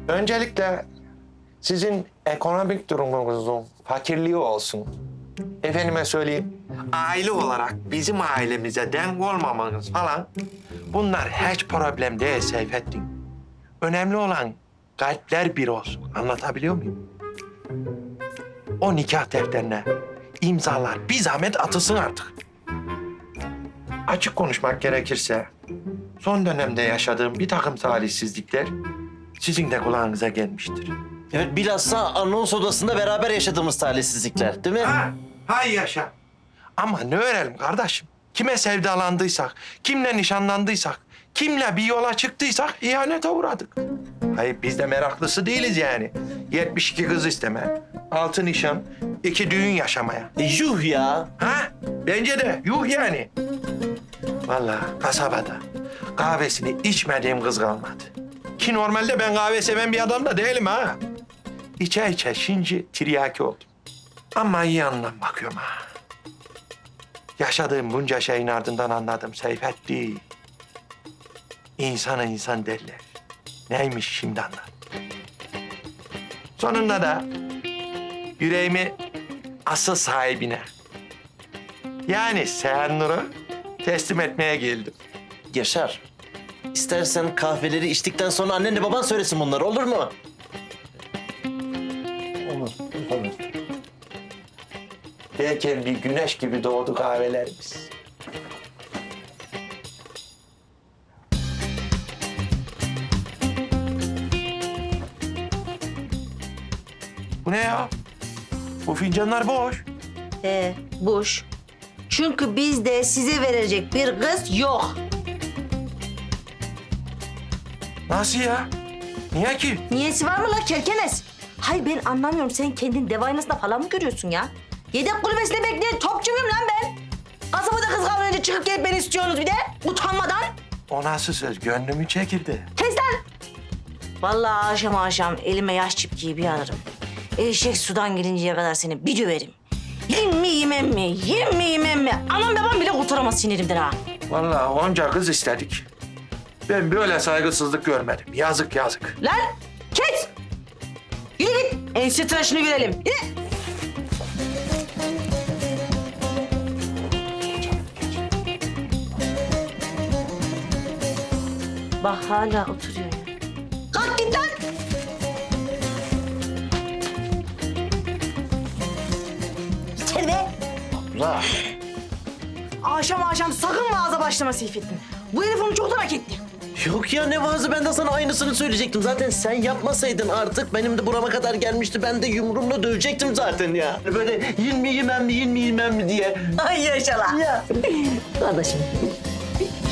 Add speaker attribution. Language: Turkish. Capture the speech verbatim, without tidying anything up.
Speaker 1: Öncelikle sizin ekonomik durumunuzun fakirliği olsun. Efendime söyleyeyim, aile olarak bizim ailemize denk olmamanız falan bunlar hiç problem değil Seyfettin. Önemli olan kalpler bir olsun. Anlatabiliyor muyum? O nikah defterine imzalar bir zahmet atılsın artık. Açık konuşmak gerekirse son dönemde yaşadığım bir takım talihsizlikler sizin de kulağınıza gelmiştir.
Speaker 2: Evet, bilhassa anons odasında beraber yaşadığımız talihsizlikler, değil mi?
Speaker 1: Ha, hay yaşa. Ama ne öğrenelim kardeşim? Kime sevdalandıysak, kimle nişanlandıysak, kimle bir yola çıktıysak ihanete uğradık. Hayır biz de meraklısı değiliz yani. yetmiş iki kız isteme, altı nişan, iki düğün yaşamaya.
Speaker 2: E, yuh ya.
Speaker 1: Ha? Bence de yuh yani. Vallahi kasabada kahvesini içmediğim kız kalmadı. Ki normalde ben kahve seven bir adam da değilim ha. İçe içe şimdi tiryaki oldum. Ama iyi yandan bakıyorum ha. Yaşadığım bunca şeyin ardından anladım Seyfettin. İnsana insan derler. Neymiş şimdi anladım. Sonunda da yüreğimi asıl sahibine, yani Seher Nur'a teslim etmeye geldim.
Speaker 2: Yaşar, istersen kahveleri içtikten sonra annenle baban söylesin bunları, olur mu?
Speaker 1: Olur, olur. Derken bir güneş gibi doğdu kahvelerimiz. Bu ne ya? Bu fincanlar boş.
Speaker 3: Ee, boş. Çünkü bizde size verecek bir kız yok.
Speaker 1: Nasıl ya? Niye ki?
Speaker 3: Niyesi var mı la kerkenes? Hayır ben anlamıyorum. Sen kendin dev aynasında falan mı görüyorsun ya? Yedek kulübesinde bekleyen topçu muyum lan ben? Kasabada kız kalmayınca çıkıp gelip beni istiyorsunuz bir de. Utanmadan.
Speaker 1: O nasıl söz? Gönlümü çekildi.
Speaker 3: Kes lan. Vallahi akşam akşam elime yaş çipkiyi bir alırım. Eşek sudan gelinceye kadar seni bir döverim. Yiyeyim mi yemem mi? Yiyeyim mi yemem mi? Anam babam bile kurtaramaz sinirimden ha.
Speaker 1: Vallahi onca kız istedik. Ben böyle saygısızlık görmedim. Yazık yazık.
Speaker 3: Lan kes! Yürü git. Ense tıraşını görelim. Yürü. Bak hala oturuyor ya. Kalk git lan! İçeri be!
Speaker 2: La.
Speaker 3: Akşam akşam sakın vaaza başlama Seyfettin. Bu herif onu çoktan hak etti.
Speaker 2: Yok ya, ne vaazı, ben de sana aynısını söyleyecektim. Zaten sen yapmasaydın artık benim de burama kadar gelmişti. Ben de yumruğumla dövecektim zaten ya. Böyle yin mi yemem mi, yin mi yemem mi diye.
Speaker 3: Ay yaşa lan.
Speaker 2: Ya.
Speaker 3: Kardeşim.